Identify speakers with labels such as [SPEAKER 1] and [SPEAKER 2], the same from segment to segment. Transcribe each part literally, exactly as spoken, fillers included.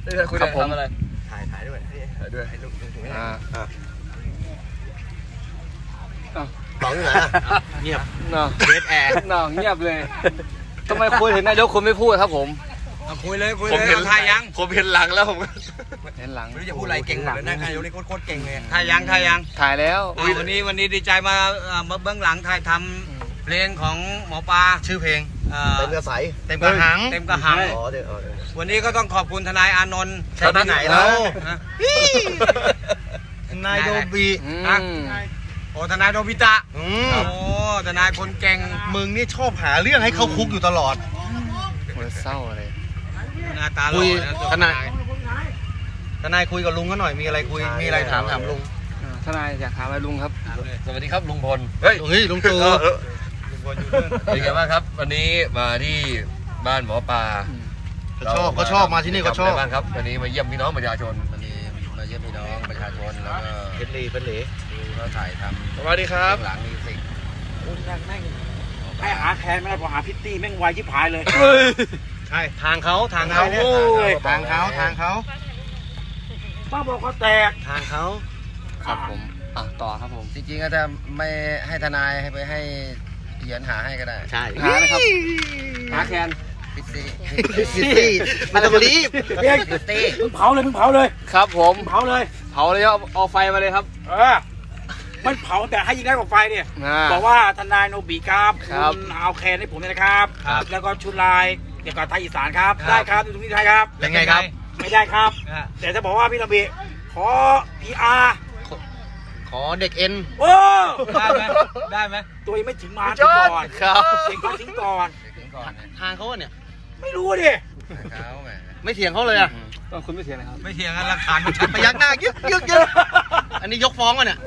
[SPEAKER 1] คุยกับผมอะไร
[SPEAKER 2] ถ่ายถ่ายด้วยถ่ายด้วยให้ลูกถึงอ่าอ่าต่อที่ไหนเงียบเนาะเดทแอร์
[SPEAKER 1] เนาะเงียบเลยทำไมคุยถึงนายกคุณไม่พูดครับผม
[SPEAKER 2] คุยเลยคุยเลยถ่ายยัง
[SPEAKER 1] ผมเห็นหลังแล้วผมเห็นหลัง
[SPEAKER 2] ไม่รู้จะพูดอะไรเก่งหลังนะนายกนี่โคตรเก่งเลยถ่ายยังถ่ายยัง
[SPEAKER 1] ถ่ายแล้ว
[SPEAKER 2] วันนี้วันนี้ดีใจมามาเบื้องหลังถ่ายทำเพลงของหมอปลาชื่อเพลงเต็มกระใสเต็มกระหังเต็มกระหังวันนี้ก็ต้องขอบคุณทนายอานนท์ใช่ที่ไหนแล้วทนายโดบีโอ้ทนายโดบิตะโอ้ทนายคนเก่งมึงนี่ชอบหาเรื่องให้เขาคุกอยู่ตลอด
[SPEAKER 1] เศร้าเลย
[SPEAKER 2] หน้าตาคุยทนายทนายคุยกับลุงก็หน่อยมีอะไรคุยมีอะไรถามถามลุง
[SPEAKER 1] ทนายอยากถามอะไรลุงครับ
[SPEAKER 3] สวัสดีครับลุงพล
[SPEAKER 2] เฮ้ยเฮ้ยลุงตู่
[SPEAKER 3] เป็นไงบ้างครับวันนี้มาที่บ้านหมอปลา
[SPEAKER 2] ก็ชอบก็ชอบมาที่นี่ก็ชอบ
[SPEAKER 3] บ้างครับวันนี้มาเยี่ยมพี่น้องประชาชนวันนี้มาเยี่ยมพี่น้องประชาชนแล้วก็
[SPEAKER 2] เป็นลีเป็นลี
[SPEAKER 3] ดูเขาถ่ายทำ
[SPEAKER 2] สวัสดีครับ
[SPEAKER 3] หลังมิวสิก
[SPEAKER 4] คุณแม่งให้หาแทนไม่ได้พอหาพิตตี้แม่งไวชิบหายเลย
[SPEAKER 2] ใช่ทางเขาทางเขาทางเขาทางเขา
[SPEAKER 4] ป้าบอกเขาแตก
[SPEAKER 2] ทางเขา
[SPEAKER 1] ครับผมอ่ะต่อครับผม
[SPEAKER 3] จริงๆก็จะไม่ให้ทนายให้ไปให้เหยียนหาให้ก็ได้
[SPEAKER 2] ใช่
[SPEAKER 1] หานะครับหาแคน
[SPEAKER 3] พิตตี้
[SPEAKER 2] พิตตี้ไม่ต้องรีบ
[SPEAKER 3] พิตตี้
[SPEAKER 4] มึงเผาเลยมึงเผาเลย
[SPEAKER 1] ครับผม
[SPEAKER 4] เผาเลย
[SPEAKER 1] เผาเลยเอาเอาไฟมาเลยครับ
[SPEAKER 4] เออมันเผาแต่ให้ยิงได้กว่าไฟเนี่ยบอกว่าทนายโนบิครับคุณเอาแคนให้ผมเลยนะครับแล้วก็ชุดลายเกี่ยวกับไทยอีสานครับได้ครับตรงนี้ได้ครับ
[SPEAKER 2] เป็นไงครับ
[SPEAKER 4] ไม่ได้ครับแต่จะบอกว่าพี่โนบิขอพีอาร์
[SPEAKER 2] ขอเด็กเอ็น
[SPEAKER 4] โอ้
[SPEAKER 2] ได้ไหมได้ไหม
[SPEAKER 4] ตัวยังไม่ถึงมาถึงก่อน
[SPEAKER 1] ครับ
[SPEAKER 4] ถึงมาถึงก่อน
[SPEAKER 2] ทางเขาเนี่ย
[SPEAKER 4] ไม่รู้ดิ
[SPEAKER 2] ไม่เถียงเขาเลยอ่ะ
[SPEAKER 1] คุณไม่เถียงนะครับ
[SPEAKER 2] ไม่เถียงกันหลักฐานมันชัดพยักหน้ายึกยึกยึกอันนี้ยกฟ้องวะเนี่ย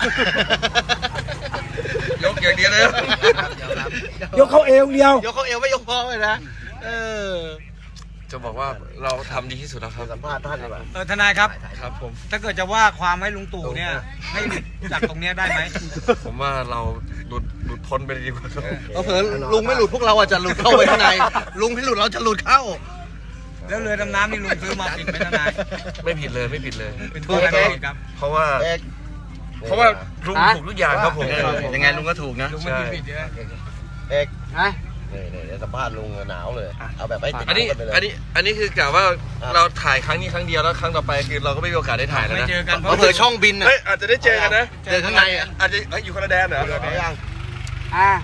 [SPEAKER 3] ยกอย่างเดียวเลย
[SPEAKER 4] ยกเขาเอวเดียวย
[SPEAKER 2] กเขาเอวไม่ยกฟ้องเลยนะเออ
[SPEAKER 3] จะบอกว่าเราทำดีที่สุดแล้วครับ
[SPEAKER 2] สัมภาษณ์ท่านดีกว่า
[SPEAKER 4] เออทนายครับ
[SPEAKER 3] ครับผม
[SPEAKER 4] ถ้าเกิดจะว่าความให้ลุงตู่เนี่ยให้จากตรงนี้ได้ไหม
[SPEAKER 3] ผมว่าเราหลุดหลุดพ้นไปดีกว่า
[SPEAKER 2] เผื่อลุงไม่หลุดพวกเราอาจจะหลุดเข้าไปข้างในลุงไม่หลุดเราจะหลุดเข้า
[SPEAKER 4] แล้วเรือดำน้ำนี่ลุงซื้อมาผิดไหมทนาย
[SPEAKER 3] ไม่ผิดเลยไม่ผิดเลย
[SPEAKER 4] เป็นเพราะอะไรครับ
[SPEAKER 3] เพราะว่าเพราะว่าลุงถูกทุกอย่างครับผม
[SPEAKER 2] ยังไงลุงก็ถูกนะ
[SPEAKER 4] ลุงไม่ผิดใช่ไหม
[SPEAKER 2] เอกนี่นี่เดี๋ยวสัมภาษณ์ลุงหนาวเลยเอาแบบไม่ติด
[SPEAKER 3] อันนี้อันนี้อันนี้คือกล่าวว่าเราถ่ายครั้งนี้ครั้งเดียวแล้วครั้งต่อไปคือเราก็ไม่มีโอกาสได้ถ่ายแล้วนะ
[SPEAKER 4] ไม่เจอกันเพ
[SPEAKER 2] ราะเผื่อช่องบิน
[SPEAKER 3] เฮ้ยอาจจะได้เจอกันนะ
[SPEAKER 2] เจอข้างในอ่ะ
[SPEAKER 3] อาจจะอยู่คนละแดนเหรอ
[SPEAKER 2] ยัง
[SPEAKER 4] อ่า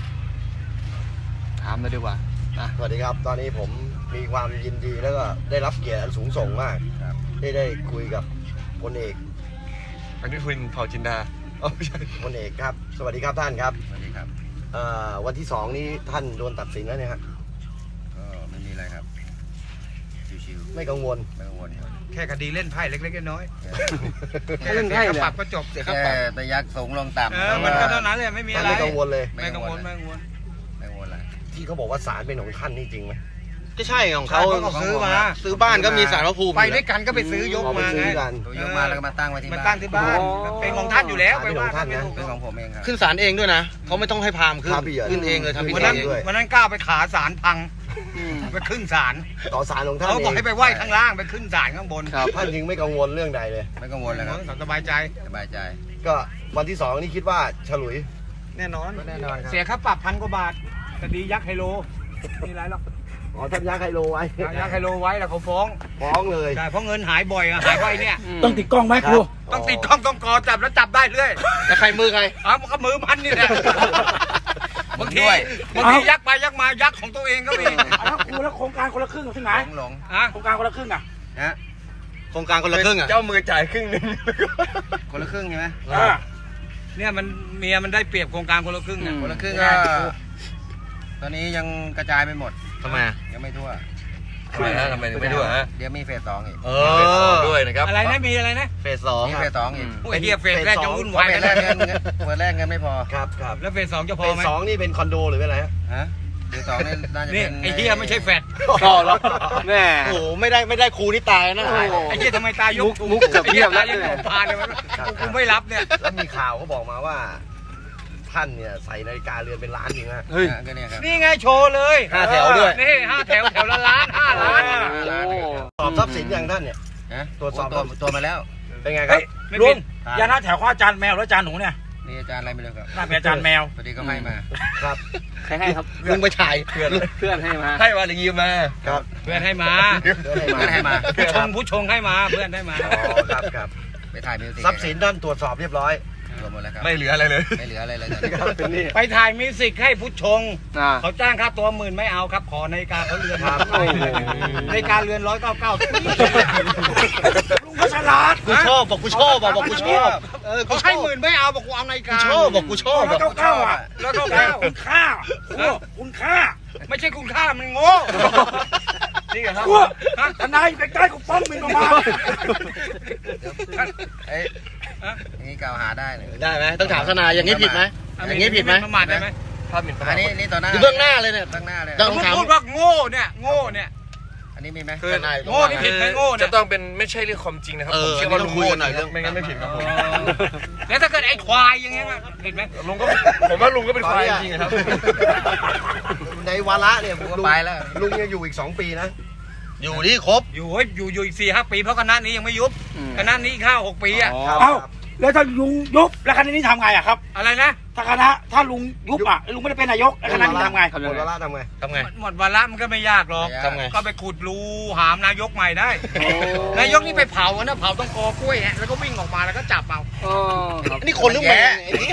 [SPEAKER 1] ถามเลยดีกว่า
[SPEAKER 2] สวัสดีครับตอนนี้ผมมีความยินดีแล้วก็ได้รับเกียรติอันสูงส่งมากได้ได้คุยกับพลเอก
[SPEAKER 3] อันนี้คุณเผ่าจินดาอ๋อไม่ใช่
[SPEAKER 2] พลเอกครับสวัสดีครับท่านครับ
[SPEAKER 3] สวัสดีครับ
[SPEAKER 2] วันที่สองนี้ท่านโดนตัดสินแล้วเนี่ยฮะ
[SPEAKER 3] ก็ไม่มีอะไรครับชิว
[SPEAKER 2] ๆไม่กังวล
[SPEAKER 3] ไม่กังวล
[SPEAKER 4] แค่คดีเล่นไพ่เล็กๆน้อย
[SPEAKER 1] ๆแค่เล่นไพ่
[SPEAKER 4] ปรับก็จบ
[SPEAKER 3] แค่ไปยักสูงลงต่ำ
[SPEAKER 4] มันก็เท่านั้นเลยไม่มีอะไร
[SPEAKER 2] ไม่กังวลเลย
[SPEAKER 4] ไม่กังวลไม่กังวล
[SPEAKER 3] ไม่กังวลอะไร
[SPEAKER 2] ที่เขาบอกว่าศาลเป็นของท่านนี่จริงไหมก็ใช่ของเขา
[SPEAKER 4] ซื้อมา
[SPEAKER 2] ซื้อบ้านก็มีศาลพระภูมิ
[SPEAKER 4] ไปด้วยกันก็ไปซื้อยกมาไง
[SPEAKER 3] ยกมาแล้วก็มาตั้งไว้ที่
[SPEAKER 4] บ้านตั้งที่บ้านเป็นของท่านอยู่แล้ว
[SPEAKER 2] เป็นของท่านนะ
[SPEAKER 3] เป็นของผมเองครับ
[SPEAKER 2] ขึ้นศาลเองด้วยนะเขาไม่ต้องให้พามขึ้นขึ้นเองเลยทำพิธี
[SPEAKER 4] ด้วยวันนั้นก้าวไปขาศาลพังไปขึ้นศาล
[SPEAKER 2] ต่อศาลของท่าน
[SPEAKER 4] เขาบอกให้ไปไหว้ข้างล่างไปขึ้นศาลข้างบน
[SPEAKER 2] ท่านจริงไม่กังวลเรื่องใดเลย
[SPEAKER 3] ไม่กังวลเลยครับ
[SPEAKER 4] สบายใจ
[SPEAKER 3] สบายใจ
[SPEAKER 2] ก็วันที่สองนี่คิดว่าฉลุย
[SPEAKER 4] แน่นอน
[SPEAKER 3] แน่นอนครับ
[SPEAKER 4] เสียค่าปรับพันกว่าบาทคดียักษ์ไฮโลมีอะไรหรอก
[SPEAKER 2] อ๋อท่านยักษ์ไฮโลไว้
[SPEAKER 4] ยักษ์ไฮโลไว้แล้วเขาฟ้อง
[SPEAKER 2] ฟ้องเลย
[SPEAKER 4] ใช่เพราะเงินหายบ่อยอะหายไปเนี่ย
[SPEAKER 1] ต้องติดกล้องไหมครู
[SPEAKER 4] ต้องติดกล้องต้องกอจับแล้วจับได้เรื่อย
[SPEAKER 2] แล้วใครมือใคร
[SPEAKER 4] อ๋อมันก็มือมันนี่แหละบางทีบางทียักไปยักมายักของตัวเองก็มีแล้วครูแล้วโครงการคนละครึ่งที่ไหน
[SPEAKER 3] หลง
[SPEAKER 4] ฮะโครงการคนละครึ่งอะ
[SPEAKER 3] ฮะ
[SPEAKER 2] โครงการคนละครึ่งอะ
[SPEAKER 3] เจ้ามือจ่ายครึ่งนึงคนละครึ่งใช่ไหม
[SPEAKER 4] เนี่ยมันเมียมันได้เปรียบโครงการคนละครึ่งอะ
[SPEAKER 3] คนละครึ่งก็ตอนนี้ยังกระจายไปหมด
[SPEAKER 2] ทำไม
[SPEAKER 3] ยังไม่ทั่ว
[SPEAKER 2] ทำไมฮะทำไมถึงไม่ทั่วฮะ
[SPEAKER 3] เดี๋ยวมีเฟสสองอีก
[SPEAKER 2] เออ
[SPEAKER 3] ด้วยนะครับ
[SPEAKER 4] อะไรนะมีอะไรนะ
[SPEAKER 2] เฟสสอง
[SPEAKER 3] มีเฟสสองอีก
[SPEAKER 4] โอ้ยเฮียเฟสแรกจะวุ่นวาย
[SPEAKER 3] เฟสแรกเงินเฟสแรกเงินไม่พอ
[SPEAKER 2] ครับครับ
[SPEAKER 4] แล้วเฟสสองจะพอไหม
[SPEAKER 2] เฟสสองนี่เป็นคอนโดหรือเป็นอะไร
[SPEAKER 3] ฮะเฟสสองนี่น่าจะเป็น
[SPEAKER 4] ไอ้เฮียไม่ใช่แฟด
[SPEAKER 1] ต่อแล้วแม่
[SPEAKER 2] โอ้โหไม่ได้ไม่ได้ครูนี่ตายนะ
[SPEAKER 4] ไอ้เฮียทำไมตายยก
[SPEAKER 1] มุกกับเทียบแล้ว
[SPEAKER 4] ยังพาเลยมันกูไม่รับเนี่ย
[SPEAKER 2] แล้วมีข่าวเขาบอกมาว่าท่านเนี่ยใส่นาฬิกาเรือนเป็นล้านจริงฮะ
[SPEAKER 3] เฮ้ยก็เนี่ยครับ
[SPEAKER 4] นี่ไงโชว์เลย
[SPEAKER 2] ห้าแถวด้วย
[SPEAKER 4] นี่ห้าแถวแถวละล้านห้าล้าน
[SPEAKER 2] สอบ
[SPEAKER 5] ทรัพย์สินอย่างท่านเนี่ยตรวจสอบ
[SPEAKER 2] ตัวตัวมาแล้ว
[SPEAKER 5] เป็นไงครับ
[SPEAKER 4] ลุงอย่าหน้าแถวข้ออาจารย์แมวแล้วอาจารย์หนูเนี่ย
[SPEAKER 2] นี่อาจารย์อะไรไม่รู้ครับ
[SPEAKER 4] น่าเป็นอาจารย์แมว
[SPEAKER 2] พอดีก็ให้มา
[SPEAKER 5] ครับ
[SPEAKER 1] ใครให้ครับ
[SPEAKER 5] ลุงไปถ่าย
[SPEAKER 3] เพื่อน
[SPEAKER 1] เพื่อนให้มา
[SPEAKER 3] ให้มาหรือยืมมา
[SPEAKER 5] ครับ
[SPEAKER 2] เพื่อนให้มา
[SPEAKER 5] เพื่อนให้มา
[SPEAKER 2] ผู้ชงผู้ชงให้มาเพื่อนให้มา
[SPEAKER 5] อ๋อครับครับ
[SPEAKER 2] ไปถ่ายมิวสิก
[SPEAKER 5] ทรัพย์สินท่านตรวจสอบเรียบร้อย
[SPEAKER 2] รวมหมดแล้วครับ
[SPEAKER 3] ไม่เหลืออะไรเลย
[SPEAKER 2] ไม่เหลืออะไรเลย
[SPEAKER 1] เป็นนี่
[SPEAKER 2] ไปถ่ายมิวสิกให้ผู้ชง
[SPEAKER 1] อ่า
[SPEAKER 2] เขาจ้างค่าตัวหมื่นไม่เอาครับ ขอนาฬิกาเขาเรือน
[SPEAKER 5] ครับ
[SPEAKER 1] โอ้โห
[SPEAKER 2] นาฬิกาเรือนร้อยเก้าเก้า
[SPEAKER 4] ลุงก็ฉลาด
[SPEAKER 5] กูชอบบอกกูชอบบอกบอกกูชอบเออกู
[SPEAKER 2] เขา
[SPEAKER 5] ช
[SPEAKER 2] ให้
[SPEAKER 5] อบ
[SPEAKER 2] หมื่นไม่เอาบอกกูเอานาฬิ
[SPEAKER 5] กู
[SPEAKER 2] กา
[SPEAKER 5] ชอบบอกกูชอบ
[SPEAKER 4] ร้อยเก้าเก้าอ่ะ
[SPEAKER 2] ร้อยเก้า
[SPEAKER 4] เก้า
[SPEAKER 2] เก้า
[SPEAKER 4] คุณค่าโอ้คุณค่า
[SPEAKER 2] ไม่ใช่คุณค่ามันโง่
[SPEAKER 3] นี่ครับ
[SPEAKER 4] กลัวทนายอยู่ใกล้ๆกูป้องมินประมาณ
[SPEAKER 2] เอ้ยอย่างนี้กล่าวหาได้เลย
[SPEAKER 5] ได้ไหมต้องถามทนายอย่างนี้ผิดไหมอย่างนี้ผิดไหม
[SPEAKER 2] ประมาทได้ไหม
[SPEAKER 3] ภาพหมิ่นประ
[SPEAKER 2] อั
[SPEAKER 3] มาน ท
[SPEAKER 2] นี้นี่ต่อหน้า
[SPEAKER 5] อยู่เบื้องหน้าเลยเนี่ย
[SPEAKER 2] เบื้องหน้าเลย
[SPEAKER 5] ต้
[SPEAKER 2] ต้
[SPEAKER 5] อ
[SPEAKER 2] อง ง
[SPEAKER 5] ถาม
[SPEAKER 2] พูดว่าโง่เนี่ยโง่เนี่ยอันนี้มีไหม
[SPEAKER 3] คือ
[SPEAKER 5] ทนาย
[SPEAKER 2] โง่นี่ผิดไหมโง่เนี่
[SPEAKER 3] จะ
[SPEAKER 2] ย
[SPEAKER 3] ต้องเป็นไม่ใช่เรื่องความจริงนะครับ
[SPEAKER 5] เออ
[SPEAKER 3] ผมเชื่อว่า
[SPEAKER 5] อันนี้
[SPEAKER 3] ลุง
[SPEAKER 5] คุย
[SPEAKER 3] โง่
[SPEAKER 5] กันหน่อยเรื่อง
[SPEAKER 3] ไม่งั้นไม่ผิดครับผม
[SPEAKER 2] แล้วถ้าเกิดไอ้ควายอย่างเงี้ยผิดไหม
[SPEAKER 3] ลุงก็ผมว่าลุงก็เป็นควายจริงๆครับ
[SPEAKER 5] ในวาระเนี่ย
[SPEAKER 2] กู
[SPEAKER 5] ลุ
[SPEAKER 2] ก็
[SPEAKER 5] ง
[SPEAKER 2] ไปแล้ว
[SPEAKER 5] ลุงยังอยู่อีกสองปีนะ อยู่ที่ครบ
[SPEAKER 2] อยู่เฮ้ยอยู่อยู่อีกสี่ห้าปีเพราะคณะนี้ยังไม่ยุบคณะนี้อีกห้าหกปีอ่ะ
[SPEAKER 5] ครับ
[SPEAKER 4] เอ้าแล้วถ้าลุงยุบแล้วคณะนี้ทำไงอ่ะครับ
[SPEAKER 2] อะไรนะ
[SPEAKER 4] ถ้าคณะถ้าลุงยุบอ่ะลุงไม่ได้เป็นนายกแล้วคณะนี้ทำไง
[SPEAKER 5] หมดวาระทำไง
[SPEAKER 3] ทำไง
[SPEAKER 2] หมดวาระมันก็ไม่ยากหรอก
[SPEAKER 5] ทำไง
[SPEAKER 2] ก็ไปขุดรูหามนายกใหม่ได้ นายกนี่ไปเผาอะนะเผาต้องกอกล้วยฮะแล้วก็วิ่งออกมาแล้วก็จับเอา
[SPEAKER 1] อ๋อครับ
[SPEAKER 5] นี่คนหรือแม่ไอ้นี่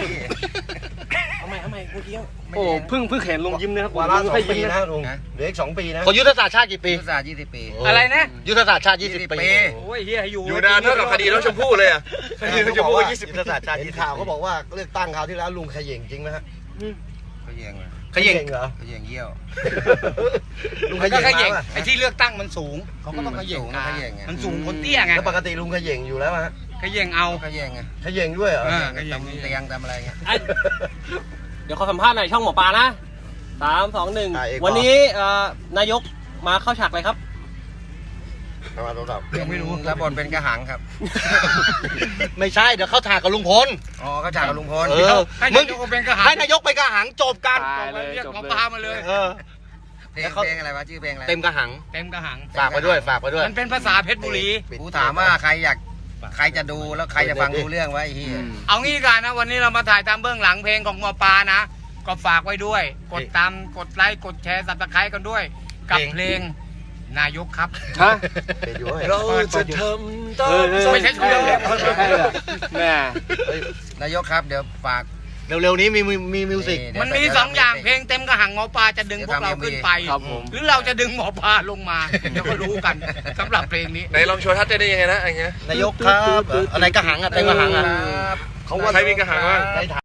[SPEAKER 1] โอ้เพิ่งเพิ่งเห็นลุงยิ้มนะครับ
[SPEAKER 5] วาระสอง
[SPEAKER 1] ไม่
[SPEAKER 5] ปี
[SPEAKER 1] ยิ้ม
[SPEAKER 5] นะ
[SPEAKER 1] นะ
[SPEAKER 5] ลุงเหลืออีกสองปีนะ
[SPEAKER 6] คนยุทธศาสตร์ชาติกี่ปี
[SPEAKER 2] ยุทธศาสตร์ยี่สิบปีอะไรนะ
[SPEAKER 6] ยุทธศาสตร์ชาติยี่สิบปี
[SPEAKER 2] โอ้ยเฮียอยู่
[SPEAKER 3] อยู่นานเท่ากับคดีน้องชมพู่เลยอ่ะคดีน้องชมพู่ยี่สิบ
[SPEAKER 5] ยุทธศาสตร์ชาติเห็นข่าวเขาบอกว่าเลือกตั้งคราวที่แล้วลุงเขย่งจริงไหมฮะ
[SPEAKER 2] เขาแยงเลย
[SPEAKER 5] เขย่งเหรอ
[SPEAKER 2] เขาแยงเยี่ยว
[SPEAKER 5] ลุง
[SPEAKER 2] มัน
[SPEAKER 5] เข
[SPEAKER 2] ก็
[SPEAKER 5] ย่ง
[SPEAKER 2] ขย่ง
[SPEAKER 5] มาป่ะ
[SPEAKER 2] ไอ้ที่เลือกตั้งมันสูงเขาก็ต้องขย่ง
[SPEAKER 6] มันสูงนะขย่งไง
[SPEAKER 2] มันสูงคนเตี้ยไง
[SPEAKER 5] แล้วปกติลุงเขย่งอยู่แล้วฮะ
[SPEAKER 2] ขย่งเอา
[SPEAKER 6] เขาแย่งไง
[SPEAKER 5] เขย่งด้วยเหรอ
[SPEAKER 2] เออขย่ง
[SPEAKER 6] ทำเตียงทำอะไรเงี้ย
[SPEAKER 1] เดี๋ยวขอสัมภาษณ์หน่อยช่องหมอปลานะสามสองหนึ่ง
[SPEAKER 5] อ่ะเอก
[SPEAKER 1] วันนี้เอ่อนายกมาเข้าฉากเลยครับ
[SPEAKER 5] เอามาโทรศัพท์
[SPEAKER 2] ยังไม่รู้
[SPEAKER 6] รับบทเป็นกระหังครับ
[SPEAKER 5] ไม่ใช่เดี๋ยวเข้าถากกับลุงพล
[SPEAKER 6] อ๋อเขาฉากกับลุงพล
[SPEAKER 5] เออ
[SPEAKER 2] ให้
[SPEAKER 5] มึ
[SPEAKER 2] นาง ยกเป็นกระหัง
[SPEAKER 5] ให้นายกไปกระหังจบกัน
[SPEAKER 1] ตายเลย
[SPEAKER 2] เรียก
[SPEAKER 1] จบ
[SPEAKER 2] หมอ
[SPEAKER 1] เลย
[SPEAKER 2] ปลามาเลย
[SPEAKER 5] เออ
[SPEAKER 6] เพลงเพลงอะไรวะชื่อเพลงอะไร
[SPEAKER 5] เต็มกระหัง
[SPEAKER 2] เต็มกระหัง
[SPEAKER 5] ฝากไปด้วยฝากไปด้วย
[SPEAKER 2] มันเป็นภาษาเพชรบุรี
[SPEAKER 6] กูถามว่าใครอยากใครจะดูแล้วใครจะฟังรู้เรื่องวะไอ้เหี้ย
[SPEAKER 2] เอางี้กันนะวันนี้เรามาถ่ายตามเบื้องหลังเพลงของหมอปลานะ ก็ฝากไว้ด้วย กดตามกดไลค์กดแชร์สับตะไคร้กันด้วย กับเพลงนายกครับ
[SPEAKER 1] ฮะ
[SPEAKER 5] เป็นอยู่เว้ย
[SPEAKER 3] เราจะทำตา
[SPEAKER 1] เอ
[SPEAKER 3] ม
[SPEAKER 1] อ
[SPEAKER 2] ไม่ใช่ชื่อเรื่อง
[SPEAKER 1] แม่
[SPEAKER 6] นายกครับเดี๋ยวฝาก
[SPEAKER 5] เร็วๆนี้มีมีมีมิวสิก
[SPEAKER 6] นี่
[SPEAKER 2] มันมีสองอย่างเพลงเต็มกระหังหมอปลาจะดึงพวกเราขึ้นไป
[SPEAKER 1] ครับผม
[SPEAKER 2] หรือเราจะดึงหมอปลาลงมาเดี๋ยวก็รู้กันสำหรับเพลงนี้
[SPEAKER 3] ไหนลองโชว์ท่าเต้นได้ยังไงนะอะไรเงี้ย
[SPEAKER 5] นายกครับอะไรกระหังอะเต็มกระหังอะ
[SPEAKER 6] ครับ
[SPEAKER 5] เขาว่า
[SPEAKER 3] ใครมีกระหังบ้าง
[SPEAKER 5] ใน